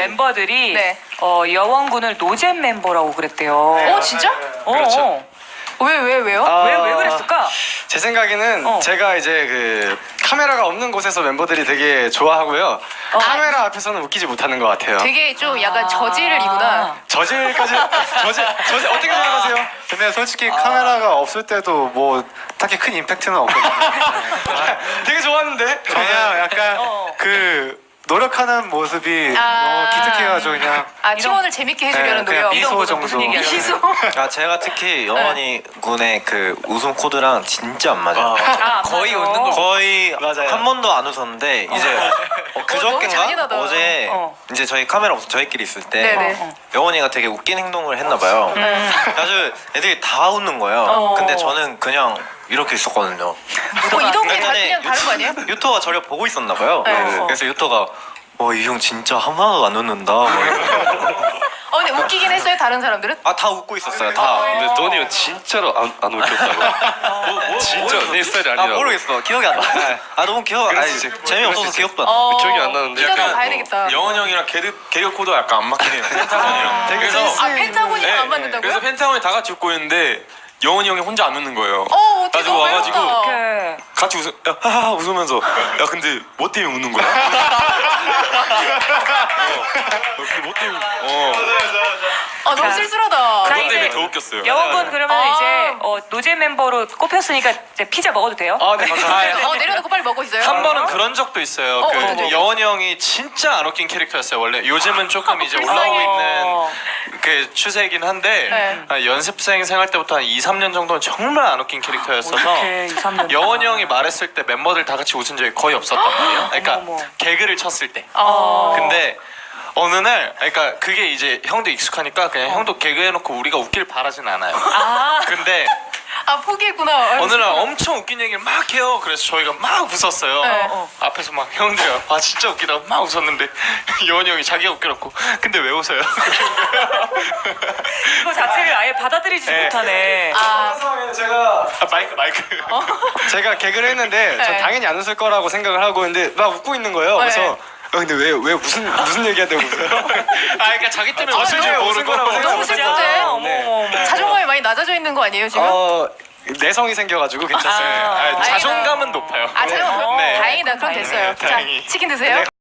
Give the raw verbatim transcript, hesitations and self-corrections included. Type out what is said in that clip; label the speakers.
Speaker 1: 멤버들이
Speaker 2: 네.
Speaker 1: 어, 여원군을 노잼 멤버라고 그랬대요.
Speaker 2: 어 진짜?
Speaker 1: 어,
Speaker 3: 그렇죠.
Speaker 1: 어.
Speaker 2: 왜 왜 왜요?
Speaker 3: 아,
Speaker 1: 왜, 왜 그랬을까?
Speaker 3: 제 생각에는
Speaker 1: 어.
Speaker 3: 제가 이제 그 카메라가 없는 곳에서 멤버들이 되게 좋아하고요. 카메라 앞에서는 웃기지 못하는 것 같아요.
Speaker 2: 되게 좀 약간 저질이구나.
Speaker 1: 아.
Speaker 3: 저질까지 저질 저질 어떻게 생각하세요?
Speaker 4: 근데 솔직히 카메라가 없을 때도 뭐 딱히 큰 임팩트는 없거든요.
Speaker 3: 되게 좋았는데.
Speaker 4: 그냥 약간
Speaker 1: 어.
Speaker 4: 그 노력하는 모습이
Speaker 2: 아.
Speaker 4: 너무 기특해가지고 그냥
Speaker 2: 아 팀원을 재밌게 해주려는
Speaker 4: 네, 그냥
Speaker 2: 노력.
Speaker 4: 미소
Speaker 1: 이런 거
Speaker 4: 정도.
Speaker 1: 무슨 얘기야?
Speaker 2: 미소.
Speaker 5: 아 제가 특히 영원이 군의 그 웃음 코드랑 진짜 안 맞아요.
Speaker 1: 아,
Speaker 6: 거의
Speaker 1: 맞아.
Speaker 6: 웃는 걸
Speaker 5: 거의
Speaker 3: 맞아요.
Speaker 5: 한 번도 안 웃었는데 이제 어,
Speaker 2: 너무
Speaker 5: 그저께인가
Speaker 2: 잔인하다.
Speaker 5: 어제
Speaker 1: 어.
Speaker 5: 이제 저희 카메라 없어 저희끼리 있을 때
Speaker 2: 네네.
Speaker 1: 어, 어.
Speaker 5: 영원이가 되게 웃긴 행동을 했나 봐요. 아주 애들이 다 웃는 거예요.
Speaker 1: 어.
Speaker 5: 근데 저는 그냥 이렇게 있었거든요.
Speaker 2: 뭐 이동이 다
Speaker 5: 예전에
Speaker 2: 그냥 다른 거 아니에요?
Speaker 5: 유토가 저를 보고 있었나 봐요.
Speaker 2: 네.
Speaker 5: 그래서 유토가 와 이 형 진짜 하나도 안 웃는다.
Speaker 2: 어 근데 웃기긴 했어요 다른 사람들은?
Speaker 5: 아다 웃고 있었어요. 다.
Speaker 6: 근데 도니 형 진짜로 안, 안 웃겼다고. 뭐, 뭐, 진짜 내 스타일이
Speaker 5: 아
Speaker 6: 아니라고.
Speaker 5: 모르겠어. 기억이 안 나. 아 너무 기억. 아니
Speaker 6: 그랬을 수-
Speaker 5: 재미없어서
Speaker 6: 그랬을 수-
Speaker 5: 기억도 안 나.
Speaker 2: 어,
Speaker 6: 기억이 안 나는데
Speaker 2: 이따가
Speaker 6: 약간
Speaker 2: 봐야 되겠다.
Speaker 7: 영원 형이랑 개그, 개그 코드가 약간 안 맞긴 해요. 펜타곤이랑.
Speaker 3: 되게
Speaker 7: 그래서
Speaker 3: 센스
Speaker 2: 아 펜타곤이랑
Speaker 7: 네,
Speaker 2: 안 맞는다고요?
Speaker 7: 그래서 펜타곤이 다 같이 웃고 있는데 영원이 형이 혼자 안 웃는 거예요.
Speaker 2: 어 어떻게
Speaker 7: 가지고
Speaker 2: 너무
Speaker 7: 와가지고
Speaker 2: 외롭다.
Speaker 1: 이렇게.
Speaker 7: 같이 웃어, 야, 하하 웃으면서 야 근데 뭐 때문에 웃는 거야? 어, 근데 뭐 때문에? 어,
Speaker 2: 아 너무
Speaker 1: 자.
Speaker 2: 쓸쓸하다.
Speaker 1: 자,
Speaker 7: 그것
Speaker 1: 이제
Speaker 7: 때문에 더 웃겼어요.
Speaker 1: 여원군 그러면
Speaker 2: 아.
Speaker 1: 이제 어, 노잼 멤버로 꼽혔으니까 이제 피자 먹어도 돼요?
Speaker 3: 아, 네, 감사합니다.
Speaker 2: 어 내려놓고 빨리 먹고 있어요.
Speaker 6: 한 번은 그런 적도 있어요.
Speaker 2: 어,
Speaker 6: 그
Speaker 2: 어떤 적이요?
Speaker 6: 여원이 형이 진짜 안 웃긴 캐릭터였어요. 원래 요즘은 조금 이제 올라오고
Speaker 1: 불쌍해.
Speaker 6: 있는 그 추세이긴 한데
Speaker 2: 네.
Speaker 6: 한 연습생 생활 때부터 한 이, 삼 년 정도는 정말 안 웃긴 캐릭터였어서
Speaker 1: 이렇게 이, 삼 년
Speaker 6: 여원이 형이 말했을 때 멤버들 다 같이 웃은 적이 거의 없었단 말이에요. 그러니까
Speaker 1: 어머, 어머.
Speaker 6: 개그를 쳤을 때.
Speaker 2: 어.
Speaker 6: 근데 어느 날, 그러니까 그게 이제 형도 익숙하니까 그냥 형도 개그 해놓고 우리가 웃길 바라진 않아요.
Speaker 1: 아,
Speaker 6: 근데
Speaker 2: 아 포기했구나.
Speaker 6: 어느 날 엄청 웃긴 얘기를 막 해요. 그래서 저희가 막 웃었어요.
Speaker 2: 네.
Speaker 1: 어.
Speaker 6: 앞에서 막 형들이 와 진짜 웃기다고 막 웃었는데 여원이 형이 자기가 웃겨놓고 근데 왜 웃어요?
Speaker 1: 이거 자체를 아예 받아들이지
Speaker 6: 네.
Speaker 1: 못하네.
Speaker 2: 아
Speaker 3: 그런 상황에는 제가
Speaker 6: 아, 마이크 마이크.
Speaker 3: 제가 개그를 했는데 전
Speaker 2: 네.
Speaker 3: 당연히 안 웃을 거라고 생각을 하고 근데 막 웃고 있는 거예요.
Speaker 2: 네.
Speaker 3: 그래서 어, 근데 왜 왜 무슨 무슨 얘기한다고 웃어요?
Speaker 6: 아 그러니까 자기 때문에
Speaker 3: 아,
Speaker 6: 웃을 줄
Speaker 3: 진짜요? 웃은
Speaker 6: 모르고.
Speaker 3: 거라고 생각
Speaker 2: 너무
Speaker 3: 못
Speaker 2: 슬프대.
Speaker 3: 했어요.
Speaker 1: 어머,
Speaker 3: 네.
Speaker 1: 어머, 어머.
Speaker 2: 자존감이 많이 낮아져 있는 거 아니에요 지금?
Speaker 3: 어, 내성이 생겨가지고 괜찮습니다.
Speaker 1: 아,
Speaker 6: 아, 자존감은 높아요.
Speaker 2: 아 자존감
Speaker 6: 네.
Speaker 2: 다행이다. 그럼
Speaker 1: 다행이네.
Speaker 2: 됐어요.
Speaker 6: 다행히.
Speaker 2: 자 치킨 드세요.